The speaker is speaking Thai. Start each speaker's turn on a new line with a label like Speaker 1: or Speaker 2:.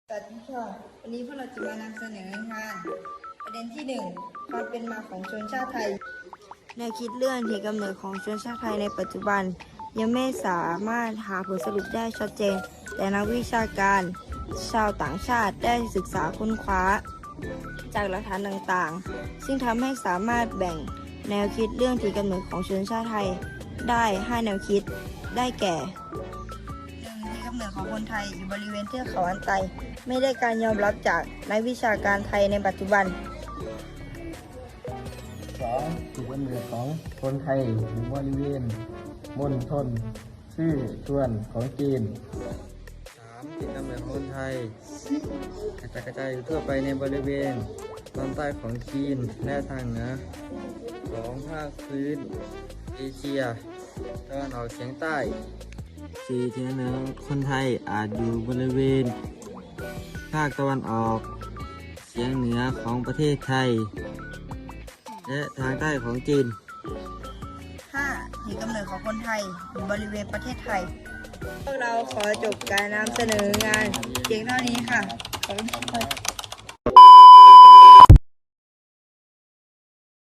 Speaker 1: สวัสดีค่ะวันนี้พวกเราจะมานำเสนองานประเด็นที่1ความเป็นมาของชนชาติไทยแนวคิดเรื่องที่กำเนิดของชนชาติไทยในปัจจุบันยังไม่สามารถหาผลสรุปได้ชัดเจนแต่นักวิชาการชาวต่างชาติได้ศึกษาค้นคว้าจากหลักฐานต่างๆซึ่งทำให้สามารถแบ่งแนวคิดเรื่องที่กำเนิดของชนชาติไทยได้5แนวคิดได้แก่ที่กำเนิดของคนไทยอยู่บริเวณเทือกเขาอันไตไม่ได้การยอมรับจากนักวิชาการไทยในปัจจุบัน
Speaker 2: 2. จุดกำเนิดของคนไทยอยู่บริเวณมณฑลซื่อส่วนของจีน 3. จุดกำเนิดของคนไทยกระจายอยู่ทั่วไปในบริเวณตอนใต้ของจีนและทางเหนือของภาคพื้นเอเชียตะวันออกเฉียงใต้ 4. จุดกำเนิดของคนไทยอาจอยู่บริเวณภาคตะวันออกเฉียงเหนือของประเทศไทยและทางใต้ของจีน
Speaker 1: 5. ที่กำเนิดของคนไทยอยู่บริเวณประเทศไทย พวกเราขอจบการนำเสนองานเพียงเท่านี้ค่ะ ขอบคุณค่ะ